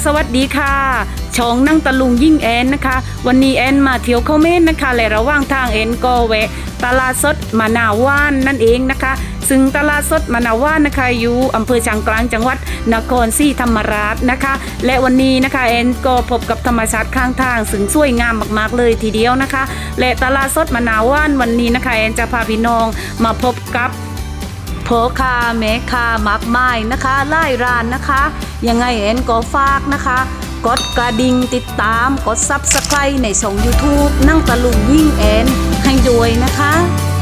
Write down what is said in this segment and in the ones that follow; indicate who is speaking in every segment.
Speaker 1: วัสดีค่ะช่องนั่งตะลุงยิ่งแอนนะคะวันนี้แอนมาเที่ยวเข้าเม่นนะคะและระหว่างทางแอนก็แวะตลาดสดมะนาวว่านนั่นเองนะคะซึ่งตลาดสดมะนาวว่านนะคะอยู่อำเภอช้างกลางจังหวัดนครศรีธรรมราชนะคะและวันนี้นะคะแอนก็พบกับธรรมชาติข้างทางซึ่งสวยงามมากๆเลยทีเดียวนะคะและตลาดสดมะนาวว่านวันนี้นะคะแอนจะพาพี่น้องมาพบกับพ่อค้าแม่ค้ามากมายนะคะหลายร้านนะคะยังไงแอนก็ฝากนะคะกดกระดิ่งติดตามกด Subscribe ในช่อง YouTube นั่งตะลุงยิ่งแอนให้ด้วยนะคะ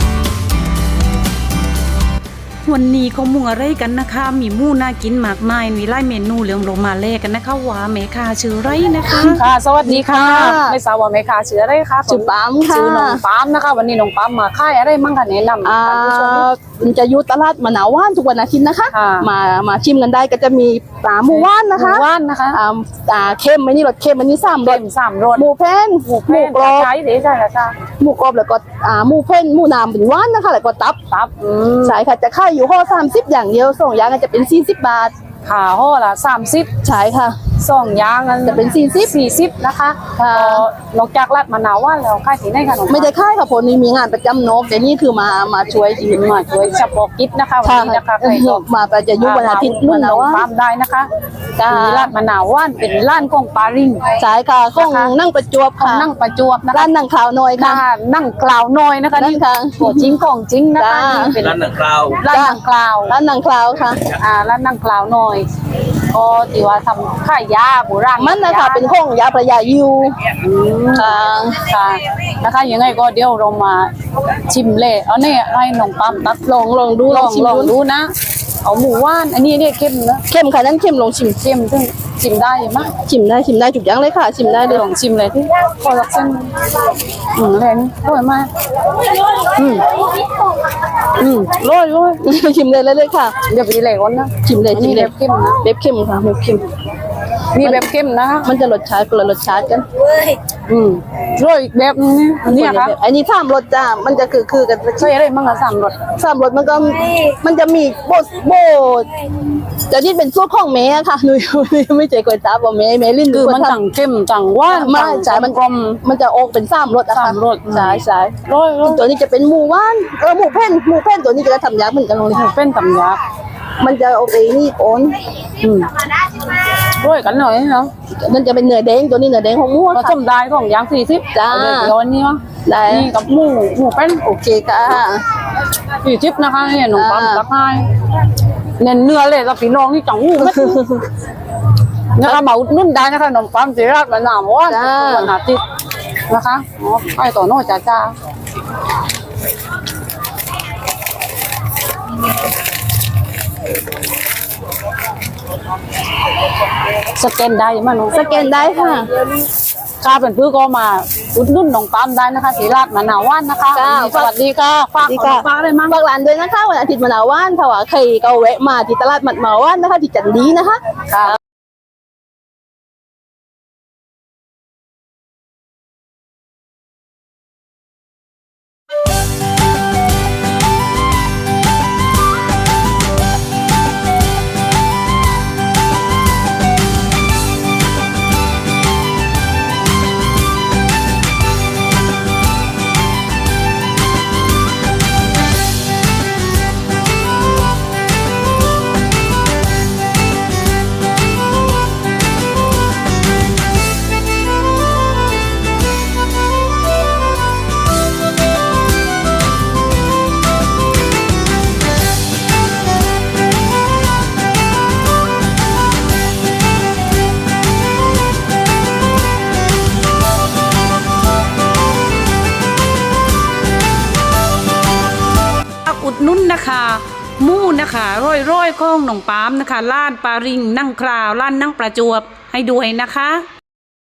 Speaker 1: วันนี้เขามุ่งอะไรกันนะคะมีหมู่น่ากินมากมายมีหลายเมนูเหลืองลงมาแลกกันนะคะว่าแม่ค้าชื่อไรนะคะ
Speaker 2: ค่ะสวัสดีค่ะไม่ทราบว่าแม่ค้าชื่ออะไรคะ
Speaker 3: ชื่อปั๊มค่ะ
Speaker 2: ชื่อน้องปั๊มนะคะวันนี้น้องปั๊มมาขายอะไรมั่งคะแนะนำท่านผู้ชม
Speaker 3: มันจะอยู่ตลาดมะนาวว่านทุกวันอาทิตย์นะคะมาชิมกันได้ก็จะมีปลาหมูว่านนะคะ
Speaker 2: หมูว่านนะคะ
Speaker 3: เค็มอันนี้รสเค็มอันนี้3 รสหมูแผ่นหมูกรอบ
Speaker 2: ใช่ใช่ค่ะ
Speaker 3: หมูกรอบแล้วก็หมูแผ่นหมูน้ำเป็นว่านนะคะแล้วก็ตับใช่ค่ะจะขายอยู่ห่อ30อย่างเดียว2อย่างก็จะเป็น40 บาท
Speaker 2: ค่ะห่อละ30
Speaker 3: ใช่ค่ะ
Speaker 2: 2อย่าง
Speaker 3: จะเป็น40
Speaker 2: นะคะนอกจากราดมะนาวว่านแล้วขายที่ไหนคะน้อง
Speaker 3: ไม่ได้ขายค่ะผลนี้มีงานประจำนกแต่นี่คือมาช่วย
Speaker 2: เฉพาะกิจนะคะวันนี้นะคะใครก็
Speaker 3: มาประจะยุวันอาทิตย์
Speaker 2: นู่นนะว่าปั๊มได้นะคะมีราดมะนาวว่านเป็นร้านของปาริง
Speaker 3: ใช่ค่ะของนั่งประจวบค่ะ
Speaker 2: นั่งประจวบนะคะ
Speaker 3: ร้านนั่งคราวน้อยค่ะ
Speaker 2: นั่งกล่าวน้อยนะคะนี่ค่ะตัวจริงของจริงนะคะ
Speaker 4: เป็นร้านนั่งคราว
Speaker 2: ร้านนั่งกล่าว
Speaker 3: ค่ะ
Speaker 2: ร้านนั่งกล่าวน้อยก็ที่ว่าทำขายยาโบราณ
Speaker 3: มันนะคะเป็นของยาพระยายู
Speaker 2: ค่ะนะคะยังไงก็เดี๋ยวเรามาชิมเลยเอาเนี่ยให้น้องปั๊มตัก
Speaker 3: ลองดู
Speaker 2: ดูนะเอาหมูว่านอันนี้เนี่ยเข้มนะ
Speaker 3: เข้มค่ะนั่นเข้มลองชิม
Speaker 2: ซึ่งชิมได้ไหม
Speaker 3: ชิมได้จุกยังเลยค่ะชิมได้เลย
Speaker 2: ลองชิมเลยที่พอรักเส้นแรงอร่อยมากร้อย
Speaker 3: ชิมเลยค่ะ
Speaker 2: เดี๋ยวไปเลยก่อนนะ
Speaker 3: ชิมเลย
Speaker 2: เบบเข้มนะ
Speaker 3: เบบเข้มค่ะเบบเข้ม
Speaker 2: นี่แบบเข้มนะ
Speaker 3: มันจะรสชาติคนละรสชาติกัน
Speaker 2: ร้อยแบบนี้ค่ะ
Speaker 3: อันนี้3 รสจ้ามันจะคือกัน
Speaker 2: ใช่อะไรบ้างคะ3 รส
Speaker 3: มันจะมีโบจะนี่เป็นสูตรของแม่ค่ะหนูไม่ใจก๋วยจั๊บว่าแม่ลิ้น
Speaker 2: คือมันต่างเข้มต่างว่าน
Speaker 3: ไม่ใช่มันกลมมันจะออกเป็น3 รสนะคะ
Speaker 2: 3 รส
Speaker 3: ใช่
Speaker 2: ร้อย
Speaker 3: ตัวนี้จะเป็นหมูว่านหมูแผ่นตัวนี้จะทำยากเหมือนกันเลย
Speaker 2: หมูแผ่นทำยาก
Speaker 3: มันจะโอเคนี่โอน
Speaker 2: ร้อยกันหน่อยเนาะ
Speaker 3: มันจะเป็นเนื้อแดงตัวนี้เนื้อแดงของหมู
Speaker 2: ผสมได้ของยาง40
Speaker 3: จ้า
Speaker 2: ร้อนนี่วะ
Speaker 3: ได้
Speaker 2: นี่กับหมูเป็น
Speaker 3: โอเคค่ะ
Speaker 2: 40นะคะเนี่ยน้องปั๊มตักให้เน้นเนื้อเลยกับพี่น้องที่จังหูนะคะมาอุดหนุนได้นะคะน้องปั๊มสิราชมะนาวว่านวันอาทิตย์นะคะให้ต่อโน่จ้าสแกนได้มั้ยน้อง
Speaker 3: สแกนได้ค่ะ
Speaker 2: ค่าเป็นพื้นก็มาอุดหนุนน้องปั๊มได้นะคะศรีราชมะนาวว่านนะคะสวัสดีค่ะฝากอะไรมั่ง
Speaker 3: ฝากร้านด้วยนะคะวันอาทิตย์มะนาวว่านถ้าว่าใครก็แวะมาที่ตลาดมะนาวว่านนะคะที่จันดีนะคะ
Speaker 1: นุ่นนะคะมู่นะคะร้อยของหนองปามนะคะล้านปาริงนั่งคราวล้านนั่งประจวบให้ด้วยนะคะ